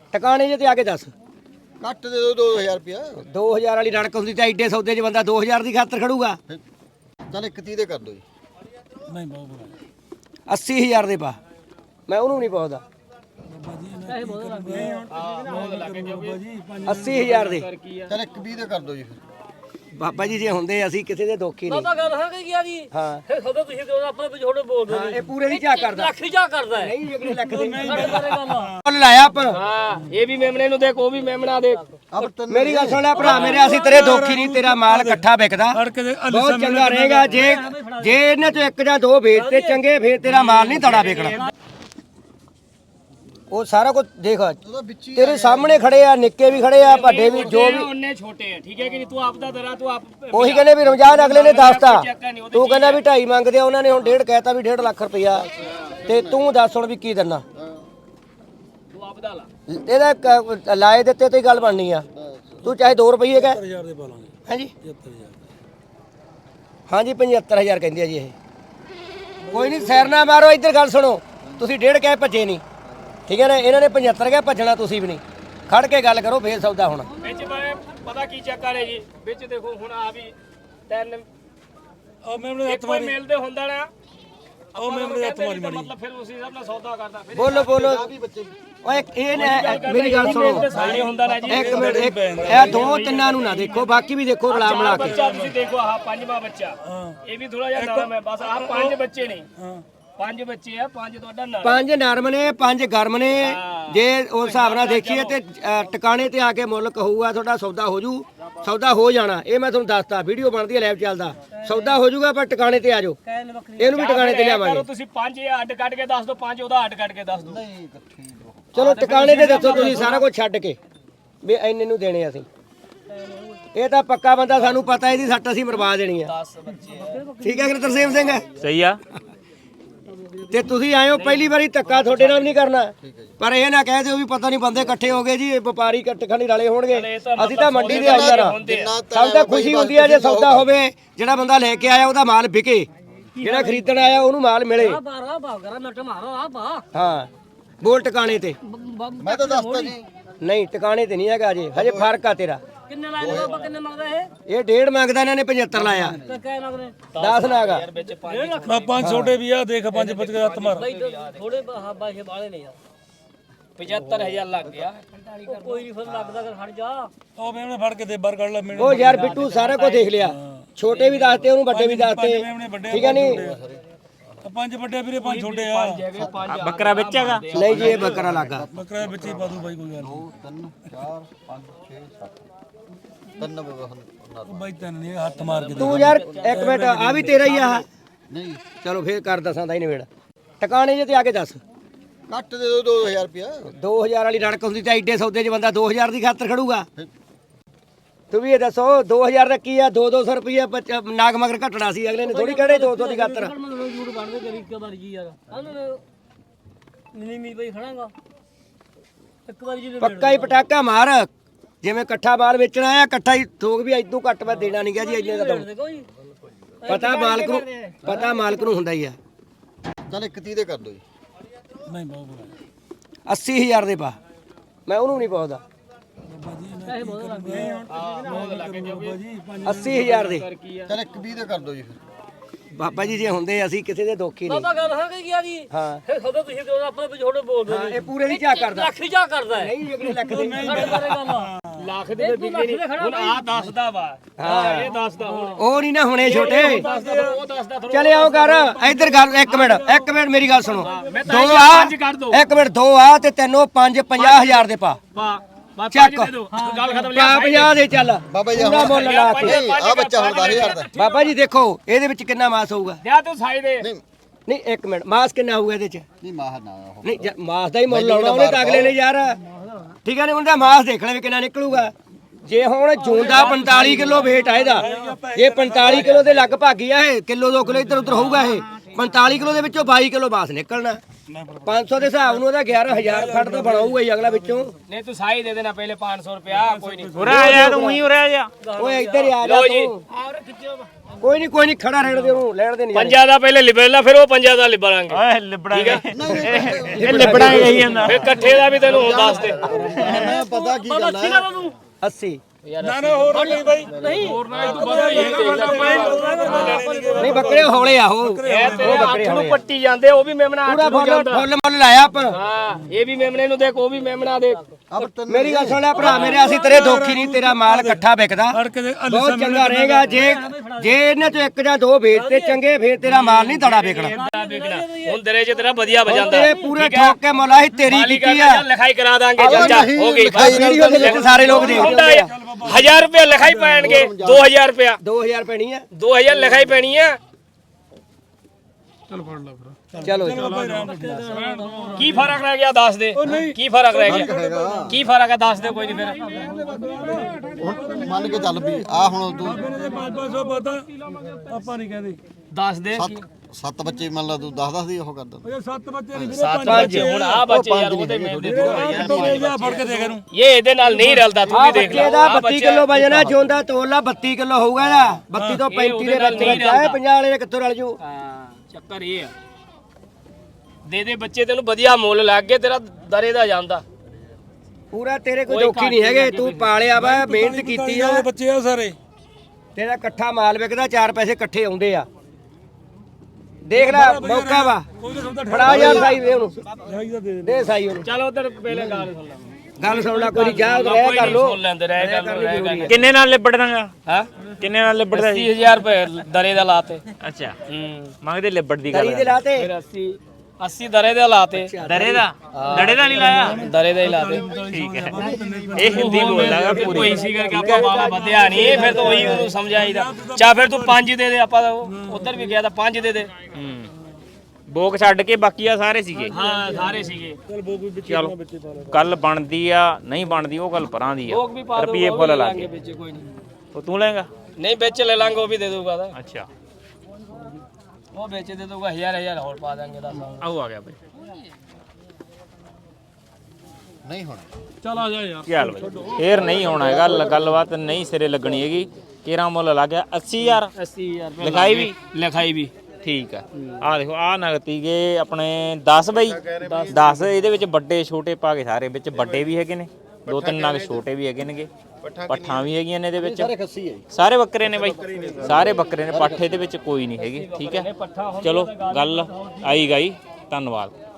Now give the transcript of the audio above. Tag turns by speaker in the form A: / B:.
A: ਟਿਕਾਣੇ ਜੇ ਤੇ ਆ ਕੇ ਦੱਸ।
B: ਘੱਟ ਦੇ ਦੋ 2000 ਰੁਪਿਆ।
A: 2000 ਵਾਲੀ ਰੜਕ ਹੁੰਦੀ ਤਾਂ ਐਡੇ ਸੌਦੇ 'ਚ ਬੰਦਾ 2000 ਦੀ ਖਾਤਰ ਖੜੂਗਾ।
B: ਚੱਲ 31 ਦੇ ਕਰ ਦੋ ਜੀ।
C: ਨਹੀਂ ਬਹੁਤ
A: 80000 ਦੇ ਪਾ, ਮੈਂ ਉਹਨੂੰ ਨਹੀਂ ਪਾਉਂਦਾ। 80000 ਦੇ
B: ਚੱਲ 120 ਦੇ ਕਰ ਦੋ ਜੀ।
A: ਬਾਬਾ ਜੀ ਜੇ ਹੁੰਦੇ ਅਸੀਂ ਕਿਸੇ ਦੇ ਦੋਖੀ ਨਹੀਂ।
D: ਬਾਬਾ ਗੱਲ ਹੈ ਕਿ ਗਿਆ ਜੀ
A: ਹਾਂ
D: ਫਿਰ ਸਦਾ ਤੁਸੀਂ ਕਿਉਂ ਆਪਣੇ ਵਿਛੋੜੇ ਬੋਲਦੇ
A: ਹਾਂ, ਇਹ ਪੂਰੇ ਨਹੀਂ ਝਾਕ ਕਰਦਾ।
D: ਲੱਖ ਜਾ ਕਰਦਾ ਹੈ
A: ਨਹੀਂ ਅਗਲੇ ਲੱਖ ਦੇ
D: ਹਾਂ
A: ਮੁੱਲ ਲਾਇਆ ਆਪਾਂ।
D: ਇਹ ਵੀ ਮੇਮਣੇ ਨੂੰ ਦੇਖ ਉਹ ਵੀ ਮੇਮਣਾ ਦੇਖ।
A: ਮੇਰੀ ਗੱਲ ਸੁਣ ਲੈ ਭਰਾ ਮੇਰੇ, ਅਸੀਂ ਤੇਰੇ ਦੋਖੀ ਨਹੀਂ। ਤੇਰਾ ਮਾਲ ਇਕੱਠਾ ਵਿਕਦਾ ਬਹੁਤ ਚੰਗਾ ਰਹੇਗਾ। ਜੇ ਇਹਨਾਂ ਚੋਂ ਇੱਕ ਜਾਂ ਦੋ ਵੇਚਤੇ ਚੰਗੇ, ਫੇਰ ਤੇਰਾ ਮਾਲ ਨਹੀਂ ਤੜਾ ਵਿਕਣਾ। ਉਹ ਸਾਰਾ ਕੁਝ ਦੇਖ ਤੇਰੇ ਸਾਹਮਣੇ ਖੜੇ ਆ, ਨਿੱਕੇ ਵੀ ਖੜੇ ਆ, ਵੱਡੇ ਵੀ, ਜੋ ਵੀ
D: ਉਹਨੇ ਛੋਟੇ ਆ ਠੀਕ ਹੈ ਕਿ ਨਹੀਂ। ਤੂੰ ਆਪ ਦਾ ਦਰਾ ਤੂੰ ਆਪ
A: ਉਹੀ ਕਹਿੰਦੇ ਵੀ ਰਮਜ਼ਾਨ ਅਗਲੇ ਨੇ ਦੱਸਤਾ, ਤੂੰ ਕਹਿੰਦਾ ਵੀ 2.5 ਮੰਗਦੇ ਆ, ਉਹਨਾਂ ਨੇ ਹੁਣ 1.5 ਕਹਿਤਾ ਵੀ 1.5 ਲੱਖ ਰੁਪਇਆ। ਤੇ ਤੂੰ ਦੱਸ ਹੁਣ ਵੀ ਕੀ ਦਿੰਨਾ।
D: ਤੂੰ ਆਪ ਦਾ ਲਾ
A: ਇਹਦਾ ਲਾਏ ਦਿੱਤੇ ਤੇ ਗੱਲ ਬਣਨੀ ਆ। ਤੂੰ ਚਾਹੇ 2 ਰੁਪਏ ਕਹਿ।
C: 70000 ਦੇ ਪਾ ਲਾਂਗੇ।
A: ਹਾਂਜੀ
C: 75000
A: ਹਾਂਜੀ 75000 ਕਹਿੰਦੇ ਆ ਜੀ ਇਹ। ਕੋਈ ਨਹੀਂ ਸੈਰ ਨਾ ਮਾਰੋ, ਇੱਧਰ ਗੱਲ ਸੁਣੋ। ਤੁਸੀਂ 1.5 ਕਹਿ ਭੱਜੇ ਨਹੀਂ, ਠੀਕ ਹੈ ਨਾ। ਇਹਨਾਂ ਨੇ 75 ਕਹਿ ਭੱਜਣਾ, ਤੁਸੀਂ ਵੀ ਨਹੀਂ। ਖੜ ਕੇ ਗੱਲ ਕਰੋ ਫੇਰ ਸੌਦਾ ਹੋਣਾ।
D: ਵਿੱਚ ਮੈਂ ਪਤਾ ਕੀ ਚੱਕਰ ਹੈ ਜੀ। ਵਿੱਚ ਦੇਖੋ ਹੁਣ ਆ ਵੀ ਤਿੰਨ
C: ਉਹ ਮੇਮਣੇ ਹੱਥ
D: ਕੋਈ
C: ਮਾਰੀ।
D: ਮਿਲਦੇ ਹੁੰਦਾ ਨਾ
C: ਉਹ ਮੇਮਣੇ ਹੱਥ ਮਾਰੀ ਮਾਰੀ।
D: ਮਤਲਬ ਫਿਰ ਉਸੇ ਹਿਸਾਬ ਨਾਲ ਸੌਦਾ ਕਰਦਾ। ਫਿਰ
A: ਬੋਲੋ ਬੋਲੋ ਓਏ ਇਹ ਮੇਰੀ ਗੱਲ ਸੁਣੋ
D: ਸਾਰੇ ਹੁੰਦਾ ਨਾ ਜੀ।
A: ਇੱਕ ਮਿੰਟ, ਇਹ ਦੋ ਤਿੰਨਾਂ ਨੂੰ ਨਾ ਦੇਖੋ, ਬਾਕੀ ਵੀ ਦੇਖੋ ਰਲਾ ਮਿਲਾ ਕੇ।
D: ਬੱਚਾ ਤੁਸੀਂ ਦੇਖੋ ਆਹ ਪੰਜਵਾਂ ਬੱਚਾ ਇਹ ਵੀ ਥੋੜਾ ਜਿਹਾ ਨਰਮ ਹੈ। ਬਸ ਆਹ 5 ਬੱਚੇ ਨੇ। 5 ਬੱਚੇ ਆ, 5 ਤੁਹਾਡਾ ਨਰਮ।
A: 5 ਨਰਮ ਨੇ 5 ਗਰਮ ਨੇ। ਜੇ ਉਸ ਹਿਸਾਬ ਨਾਲ ਦੇਖੀਏ ਤੇ ਟਿਕਾਣੇ ਤੇ ਆ ਕੇ ਮੁੱਲ ਕਹੂਗਾ ਤੁਹਾਡਾ ਸੌਦਾ ਹੋ ਜੂ। ਸੌਦਾ ਹੋ ਜਾਣਾ, ਇਹ ਮੈਂ ਤੁਹਾਨੂੰ ਦੱਸਤਾ। ਵੀਡੀਓ ਬਣਦੀ ਹੈ, ਲਾਈਵ ਚੱਲਦਾ। ਸੌਦਾ ਹੋ ਜੂਗਾ, ਪਰ ਟਿਕਾਣੇ ਤੇ ਆ ਜਾਓ। ਇਹਨੂੰ ਵੀ ਟਿਕਾਣੇ ਤੇ ਲਿਆਵਾਂਗੇ।
D: ਤੁਸੀਂ 5 ਅੱਡ ਕੱਢ ਕੇ ਦੱਸ ਦਿਓ, 5 ਉਹਦਾ ਅੱਡ ਕੱਢ ਕੇ ਦੱਸ ਦਿਓ।
A: ਚਲੋ ਟਿਕਾਣੇ ਤੇ ਦੱਸੋ ਤੁਸੀਂ ਸਾਰਾ ਕੁਝ ਛੱਡ ਕੇ ਵੀ ਇੰਨੇ ਨੂੰ ਦੇਣੇ ਅਸੀਂ। ਇਹ ਤਾਂ ਪੱਕਾ ਬੰਦਾ, ਸਾਨੂੰ ਪਤਾ ਇਹਦੀ ਸੱਟ ਅਸੀਂ ਮਰਵਾ ਦੇਣੀ ਆ। ਠੀਕ ਹੈ ਕਿ ਤਰਸੇਮ ਸਿੰਘ?
D: ਸਹੀ ਆ।
A: ਤੇ ਤੁਸੀਂ ਆਏ ਹੋ ਪਹਿਲੀ ਵਾਰੀ, ਧੱਕਾ ਤੁਹਾਡੇ ਨਾਲ ਵੀ ਨਹੀਂ ਕਰਨਾ। ਪਰ ਇਹ ਨਾ ਕਹਿ ਦਿਓ ਵੀ ਪਤਾ ਨਹੀਂ ਬੰਦੇ ਇਕੱਠੇ ਹੋ ਗਏ ਜੀ, ਇਹ ਵਪਾਰੀ ਇਕੱਠੇ ਰਲੇ ਹੋਣਗੇ। ਅਸੀਂ ਤਾਂ ਮੰਡੀ ਦੇ ਅੰਦਰ ਆ। ਸਾਨੂੰ ਤਾਂ ਖੁਸ਼ੀ ਹੁੰਦੀ ਆ ਜੇ ਸੌਦਾ ਹੋਵੇ, ਜਿਹੜਾ ਬੰਦਾ ਲੈ ਕੇ ਆਇਆ ਉਹਦਾ ਮਾਲ ਵਿਕੇ, ਜਿਹੜਾ ਖਰੀਦਣ ਆਇਆ ਉਹਨੂੰ ਮਾਲ ਮਿਲੇ। ਹਾਂ ਬੋਲ ਟਿਕਾਣੇ ਤੇ।
B: ਮੈਂ ਤਾਂ ਦੱਸਤਾ ਜੀ।
A: ਨਹੀਂ ਟਿਕਾਣੇ ਤੇ ਨਹੀਂ ਹੈਗਾ ਜੀ, ਹਜੇ ਫਰਕ ਆ ਤੇਰਾ।
D: ਕਿੰਨੇ ਲਾਏ ਬਾਬਾ, ਕਿੰਨੇ ਮੰਗਦਾ ਇਹ?
A: ਇਹ 1.5 ਮੰਗਦਾ, ਇਹਨਾਂ ਨੇ 75 ਲਾਇਆ।
D: ਤੇ ਕਹਿ ਲੱਗਦੇ
A: 10 ਨਾਗਾ।
C: ਮੈਂ 5 ਛੋਟੇ ਵੀ ਆ, ਦੇਖ 5 ਬੱਚ ਕੇ ਹੱਥ ਮਾਰ।
D: ਥੋੜੇ ਬਾਹੇ ਬਾਲੇ ਨੇ ਯਾਰ। 75000 ਲੱਗ ਗਿਆ। ਕੋਈ ਨਹੀਂ ਫਿਰ ਲੱਗਦਾ ਕਰ ਹਟ ਜਾ।
C: ਉਹ ਮੇਮਣੇ ਫੜ ਕੇ ਦੇ ਬਾਹਰ ਕੱਢ ਲੈ ਮੇਮਣੇ।
A: ਉਹ ਯਾਰ ਬਿੱਟੂ ਸਾਰਾ ਕੁਝ ਦੇਖ ਲਿਆ। ਛੋਟੇ ਵੀ ਦੱਸਤੇ ਉਹਨੂੰ, ਵੱਡੇ ਵੀ ਦੱਸਤੇ, ਠੀਕ ਹੈ ਨਹੀਂ।
C: 5 ਵੱਡੇ ਵੀਰੇ, 5 ਛੋਟੇ ਆ।
D: ਬੱਕਰਾ ਵਿੱਚ ਹੈਗਾ?
A: ਨਹੀਂ ਜੀ ਇਹ ਬੱਕਰਾ ਲੱਗਾ।
C: ਬੱਕਰਾ ਵਿੱਚ ਹੀ ਪਾ ਦੂ ਬਾਈ, ਕੋਈ ਗੱਲ ਨਹੀਂ।
B: 2 3 4 5 6 7 ਤਿੰਨ
C: ਉਹ ਬਾਈ ਤੈਨੂੰ ਨਹੀਂ ਹੱਥ ਮਾਰ ਕੇ ਦੇ।
A: ਤੂੰ ਯਾਰ ਇੱਕ ਮਿੰਟ, ਆ ਵੀ ਤੇਰਾ ਹੀ ਆ।
B: ਨਹੀਂ
A: ਚਲੋ ਫੇਰ ਕਰ ਦਸਾਂ ਦਾ ਹੀ ਨਵੇੜ। ਟਿਕਾਣੇ ਜੇ ਤੇ ਆ ਕੇ ਦੱਸ।
B: ਘੱਟ ਦੇ ਦੋ 2000 ਰੁਪਿਆ।
A: 2000 ਵਾਲੀ ਰੜਕ ਹੁੰਦੀ ਤਾਂ ਐਡੇ ਸੌਦੇ 'ਚ ਬੰਦਾ 2000 ਦੀ ਖਾਤਰ ਖੜੂਗਾ। ਤੂੰ ਵੀ ਇਹ ਦੱਸੋ 2000 ਦਾ ਕੀ ਆ? 200 ਰੁਪਏ ਨਾਗ ਮਗਰ ਘਟਣਾ ਸੀ, ਅਗਲੇ ਨੇ ਥੋੜੀ ਕਿਹੜੇ 200 ਦੀ ਖਾਤਰ।
D: ਜੂੜ ਬਣਦੇ ਕਰੀ ਇੱਕ ਵਾਰ ਜੀ ਯਾਰ। ਨਹੀਂ ਬਈ ਖੜਾਂਗਾ ਇੱਕ ਵਾਰ ਜੀ।
A: ਪੱਕਾ ਹੀ ਪਟਾਕਾ ਮਾਰ, ਜਿਵੇਂ ਇਕੱਠਾ ਮਾਲ ਵੇਚਣਾ ਆ, ਇਕੱਠਾ ਹੀ ਥੋਕ ਵੀ ਇਦੋਂ ਘੱਟ ਮੈਂ ਦੇਣਾ ਨਹੀਂ ਗਿਆ ਜੀ। ਇੰਨੇ ਦਾ ਪਤਾ ਮਾਲਕ ਨੂੰ, ਪਤਾ ਮਾਲਕ ਨੂੰ ਹੁੰਦਾ ਹੀ ਆ।
B: ਚੱਲ 31 ਦੇ ਕਰ ਦੋ ਜੀ।
C: ਨਹੀਂ ਬਹੁਤ
A: 80000 ਦੇ ਪਾ, ਮੈਂ ਉਹਨੂੰ ਨਹੀਂ ਪਾਉਂਦਾ। 80000 ਦੇ
B: ਚੱਲ 120 ਦੇ ਕਰ ਦੋ ਜੀ।
A: ਬਾਬਾ ਜੀ ਜੇ ਹੁੰਦੇ ਅਸੀਂ ਕਿਸੇ ਦੇ ਦੋਖੀ ਨਹੀਂ।
D: ਬਾਬਾ ਗੱਲ ਹੈ ਕਿ ਗਿਆ ਜੀ
A: ਹਾਂ
D: ਫਿਰ ਸਦਾ ਤੁਸੀਂ ਕਿਉਂ ਆਪਣੇ ਵਿਛੋੜੇ ਬੋਲਦੇ
A: ਹਾਂ, ਇਹ ਪੂਰੇ ਨਹੀਂ ਝਾਕ ਕਰਦਾ।
D: ਲੱਖ ਜਾ ਕਰਦਾ ਹੈ
A: ਨਹੀਂ ਅਗਲੇ ਲੱਖ ਦੇ
D: ਲੱਖ ਦੇ ਵਿਕਦੇ ਨਹੀਂ। ਹੁਣ ਆ ਦੱਸਦਾ ਵਾ,
A: ਹਾਂ
D: ਇਹ ਦੱਸਦਾ ਹੁਣ।
A: ਉਹ ਨਹੀਂ ਨਾ ਹੋਣੇ ਛੋਟੇ।
D: ਉਹ ਦੱਸਦਾ ਥੋੜਾ।
A: ਚਲੇ ਆਓ ਕਰ ਇੱਧਰ ਗੱਲ। ਇੱਕ ਮਿੰਟ ਮੇਰੀ ਗੱਲ ਸੁਣੋ।
D: ਮੈਂ
A: ਦੋ
D: ਤਾਂ
A: ਆ,
D: 5 ਕਰ ਦੋ।
A: ਇੱਕ ਮਿੰਟ, 2 ਆ ਤੇ ਤੈਨੂੰ 5 50000 ਦੇ ਪਾ। ਚੱਕ
D: ਗੱਲ ਖਤਮ।
A: ਪਾ 50 ਦੇ ਚੱਲ।
B: ਬਾਬਾ ਜੀ
A: ਪੂਰਾ ਮੁੱਲ ਲਾ ਕੇ।
B: ਆ ਬੱਚਾ ਹੁਣ 10000 ਦਾ।
A: ਬਾਬਾ ਜੀ ਦੇਖੋ ਇਹਦੇ ਵਿੱਚ ਕਿੰਨਾ ਮਾਸ ਹੋਊਗਾ।
D: ਜਾ ਤੂੰ ਸਾਈ ਦੇ।
A: ਨਹੀਂ ਇੱਕ ਮਿੰਟ, ਮਾਸ ਕਿੰਨਾ ਹੋਊਗਾ ਇਹਦੇ ਚ?
B: ਨਹੀਂ ਮਾਹ ਨਾ ਉਹ।
A: ਨਹੀਂ ਮਾਸ ਦਾ ਹੀ ਮੁੱਲ ਲਾਉਣਾ ਉਹਨੇ ਤਾਂ ਅਗਲੇ ਨੇ ਯਾਰ। ਠੀਕ ਹੈ ਨੇ, ਉਹਦਾ ਮਾਸ ਦੇਖਣਾ ਵੀ ਕਿੰਨਾ ਨਿਕਲੂਗਾ। ਜੇ ਹੁਣ ਜੂੰਦਾ 45 ਕਿਲੋ weight ਆ ਇਹਦਾ, ਇਹ 45 ਕਿਲੋ ਦੇ ਲਗਭਗ ਹੀ ਆ। ਇਹ ਕਿਲੋ 2 ਕਿਲੋ ਇੱਧਰ ਉੱਧਰ ਹੋਊਗਾ। ਇਹ 45 ਕਿਲੋ ਦੇ ਵਿੱਚੋਂ 22 ਕਿਲੋ ਮਾਸ ਨਿਕਲਣਾ। 500 ਦੇ ਹਿਸਾਬ ਨੂੰ ਉਹਦਾ 11000 ਫੜ ਤਾਂ ਬਣਾਊਗਾ ਹੀ ਅਗਲਾ ਵਿੱਚੋਂ।
D: नहीं तू साई दे देना पहले 500 रुपया कोई नहीं
E: ਉਰੇ ਆ ਜਾ ਤੂੰ ਹੀ ਉਰੇ ਆ ਜਾ
A: ਓਏ ਇੱਧਰ ਹੀ ਆ ਜਾ ਤੂੰ। ਕੋਈ ਨਹੀਂ ਖੜਾ ਰਹਿਣ ਦੇ ਉਹਨੂੰ ਲੈਣ ਦੇ ਨਹੀਂ
D: पंजा दा पहले लिबेला फिर वो पंजा दा लिबड़ांगे
E: ਓਏ ਲਿਬੜਾਂਗੇ ਇਹ ਲਿਬੜਾਂਗੇ ਕਹੀ ਜਾਂਦਾ
D: फिर कट्ठे दा भी तेनू हुण दस दे
B: ਪਤਾ ਕੀ ਗੱਲ ਹੈ
A: 80
C: ਨਾ ਨਾ ਹੋਰ ਨਹੀਂ ਬਾਈ
A: ਨਹੀਂ ਬੱਕਰੇ ਹੌਲੇ ਆ ਉਹ
D: ਇਹ ਤੇਰੇ ਹੱਥ ਨੂੰ ਪੱਟੀ ਜਾਂਦੇ ਉਹ ਵੀ ਮੇਮਣਾ
A: ਪੂਰਾ
D: ਹੱਥ ਨੂੰ ਜਾਂਦਾ
A: ਫੁੱਲ ਮੁੱਲ ਲਾਇਆ ਆਪਾਂ।
D: ਹਾਂ ਇਹ ਵੀ ਮੇਮਣੇ ਨੂੰ ਦੇਖ ਉਹ ਵੀ ਮੇਮਣਾ ਦੇਖ
A: ਮੇਰੀ ਗੱਲ ਸੁਣ ਲੈ ਭਰਾ ਮੇਰੇ, ਅਸੀਂ ਤੇਰੇ ਦੋਖੀ ਨਹੀਂ, ਤੇਰਾ ਮਾਲ ਇਕੱਠਾ ਵਿਕਦਾ ਬਹੁਤ ਚੰਗਾ ਰਹੇਗਾ। ਜੇ ਇਹਨਾਂ ਚੋਂ ਇੱਕ ਜਾਂ ਦੋ ਵੇਚਦੇ ਚੰਗੇ ਫੇਰ ਤੇਰਾ ਮਾਲ ਨਹੀਂ ਦੜਾ ਵਿਕਣਾ।
D: ਹੁਣ ਤੇਰੇ ਚ ਤੇਰਾ ਵਧੀਆ ਵਜਾਂਦਾ
A: ਤੇ ਪੂਰੇ ਠੋਕ ਕੇ ਮੁੱਲ ਅਸੀਂ ਤੇਰੀ ਕੀਤੀ ਆ।
D: ਲਿਖਾਈ ਕਰਾ ਦਾਂਗੇ ਚਾਚਾ ਹੋ ਗਈ
A: ਵੀਡੀਓ ਦੇ ਵਿੱਚ ਸਾਰੇ ਲੋਕ ਦੇਖਦੇ ਆ।
D: 1000 ਰੁਪਏ ਲਿਖਾਈ ਪੈਣਗੇ 2000 ਰੁਪਏ
A: 2000 ਪੈਣੀ ਆ
D: 2000 ਲਿਖਾਈ ਪੈਣੀ ਆ
A: ਚਲੋ
D: ਕੀ ਫਰਕ ਰਹਿ ਗਿਆ ਦੱਸ ਦੇ ਕੀ ਫਰਕ ਰਹਿ ਗਿਆ ਕੀ ਫਰਕ ਹੈ ਦੱਸ ਦੇ ਕੋਈ ਨਹੀਂ ਫਿਰ
B: ਹੁਣ ਮੰਨ ਕੇ ਚੱਲ ਵੀ ਆ ਹੁਣ ਤੂੰ
C: 500 ਪਤਾ ਆਪਾਂ ਨਹੀਂ ਕਹਿੰਦੇ
D: ਦੱਸ ਦੇ
B: ਸੱਤ ਬੱਚੇ ਮੰਨ ਲਾ ਤੂੰ 10 ਦੀ ਉਹ ਕਰਦਾ
C: ਇਹ 7 ਬੱਚੇ ਨਹੀਂ
D: ਸੱਤ ਬੱਚੇ ਹੁਣ ਆ ਬੱਚੇ ਯਾਰ ਉਹਦੇ ਮਿਲਦੇ
C: ਫੜ ਕੇ ਦੇਖ ਇਹਨੂੰ
D: ਇਹ ਇਹਦੇ ਨਾਲ ਨਹੀਂ ਰਲਦਾ ਤੂੰ ਵੀ ਦੇਖ ਲੈ
A: ਇਹਦਾ 32 ਕਿਲੋ ਵਜਨ ਆ, ਜੋਂਦਾ ਤੋਲਾ 32 ਕਿਲੋ ਹੋਊਗਾ ਇਹਦਾ। 32 ਤੋਂ 35 ਦੇ ਵਿੱਚ ਹੈ 50 ਵਾਲੇ ਦੇ ਕਿੱਥੋਂ ਰਲ ਜੂ।
D: ਹਾਂ ਚੱਕਰ ਇਹ ਆ ਦੇ ਬੱਚੇ ਤੈਨੂੰ ਵਧੀਆ ਮੁੱਲ ਲੱਗ ਗਏ ਤੇਰਾ ਦਰੇ ਦਾ ਜਾਂਦਾ
A: ਪੂਰਾ ਤੇਰੇ ਕੋਈ ਦੋਖੀ ਨਹੀਂ ਹੈਗੇ, ਤੂੰ ਪਾਲਿਆ ਵਾ ਮਿਹਨਤ ਕੀਤੀ ਆ।
C: ਬੱਚੇ ਆ ਸਾਰੇ
A: ਤੇਰਾ ਇਕੱਠਾ ਮਾਲ ਵਿਕਦਾ, 4 ਪੈਸੇ ਇਕੱਠੇ ਆਉਂਦੇ ਆ। ਦੇਖ ਲੈ ਮੌਕਾ ਵਾ, ਫੜਾ ਯਾਰ ਸਾਈ ਦੇ ਉਹਨੂੰ, ਦੇ ਸਾਈ ਉਹਨੂੰ।
D: ਚਲ ਉਧਰ ਪਹਿਲੇ ਗੱਲ ਸੁਣ ਲੈ
A: ਗੱਲ ਸੁਣ ਲੈ, ਕੋਈ ਚਾਹ ਰਹਿ ਕਰ ਲੋ।
D: ਸੁਣ ਲੈਂਦੇ ਰਹਿ ਕਰ
E: ਕਿੰਨੇ ਨਾਲ ਲਿਬੜ ਦਾਂਗਾ
D: ਹਾਂ
E: ਕਿੰਨੇ ਨਾਲ ਲਿਬੜਦਾ
D: 80000 ਰੁਪਏ ਦਰੇ ਦਾ ਲਾਤੇ
E: ਅੱਛਾ
D: ਹੂੰ
E: ਮੰਗਦੇ ਲਿਬੜ ਦੀ ਗੱਲ
A: ਤਰੀ ਦੇ ਲਾਤੇ
D: ਫਿਰ 80 ਦਰੇ ਦਾ ਲਾਤੇ
E: ਦਰੇ ਦਾ ਦੜੇ ਦਾ ਨਹੀਂ ਲਾਇਆ
D: ਦਰੇ ਦਾ ਹੀ ਲਾਤੇ
E: ਠੀਕ ਹੈ ਇਹ ਹਿੰਦੀ ਬੋਲਦਾਗਾ
D: ਕੋਈ ਪੂਰੀ ਸੀ ਕਰਕੇ ਆਪਾਂ ਬਾਲਾ ਵਧਿਆ ਨਹੀਂ ਫਿਰ ਤਾਂ ਉਹੀ ਉਹਨੂੰ ਸਮਝਾਈਦਾ ਚਾ ਫਿਰ ਤੂੰ 5 ਦੇ ਦੇ ਆਪਾਂ ਉਧਰ ਵੀ ਗਿਆ ਤਾਂ 5 ਦੇ ਦੇ
E: ਬੋਕ ਛੱਡ ਕੇ ਬਾਕੀ ਆ ਸਾਰੇ ਸੀਗੇ
D: ਹਾਂ ਸਾਰੇ ਸੀਗੇ
E: ਚਲੋ ਗੱਲ ਬਣਦੀ ਆ ਨਹੀਂ ਬਣਦੀ ਉਹ ਗੱਲ ਪਰਾਂ ਦੀ ਆ
D: ਲੋਕ ਵੀ ਪਾ ਦੋ
E: ਰੁਪਏ ਫੁੱਲ ਲਾ ਕੇ
D: ਵਿੱਚ ਕੋਈ ਨਹੀਂ
E: ਉਹ ਤੂੰ ਲੈਂਗਾ
D: ਨਹੀਂ ਵਿੱਚ ਲੈ ਲਾਂਗੇ ਉਹ ਵੀ ਦੇ ਦੂਗਾ ਤਾਂ
E: ਅੱਛਾ
D: ਉਹ ਵਿੱਚ ਦੇ ਦੂਗਾ 1000 ਹੋਰ ਪਾ ਦਾਂਗੇ ਦੱਸ
E: ਆਉ ਆ ਗਿਆ ਬਈ
B: ਨਹੀਂ ਹੋਣਾ
C: ਚੱਲ ਆ ਜਾ ਯਾਰ
E: ਚੱਲ ਬਈ ਫੇਰ ਨਹੀਂ ਹੋਣਾ ਹੈਗਾ ਗੱਲਬਾਤ ਨਹੀਂ ਸਿਰੇ ਲੱਗਣੀ ਹੈਗੀ ਕਿਹੜਾ ਮੁੱਲ ਲੱਗ ਗਿਆ 80000
D: 80000
E: ਲਿਖਾਈ ਵੀ
D: ਲਿਖਾਈ ਵੀ
E: ਠੀਕ ਆ ਆ ਦੇਖੋ ਆ ਨਗਤੀ ਗਏ ਆਪਣੇ 10 ਬਈ 10 ਇਹਦੇ ਵਿੱਚ ਵੱਡੇ ਛੋਟੇ ਪਾ ਕੇ ਸਾਰੇ ਵਿੱਚ ਵੱਡੇ ਵੀ ਹੈਗੇ ਨੇ 2-3 ਨਗ ਛੋਟੇ ਵੀ ਹੈਗੇ ਨੇਗੇ ਪੱਠਾਂ ਵੀ ਹੈਗੀਆਂ ਨੇ ਇਹਦੇ ਵਿੱਚ ਸਾਰੇ ਬੱਕਰੇ ਨੇ ਬਾਈ ਸਾਰੇ ਬੱਕਰੇ ਨੇ ਪੱਠੇ ਦੇ ਵਿੱਚ ਕੋਈ ਨਹੀਂ ਹੈਗੀ ਠੀਕ ਹੈ ਚਲੋ ਗੱਲ ਆਈ ਗਈ ਧੰਨਵਾਦ।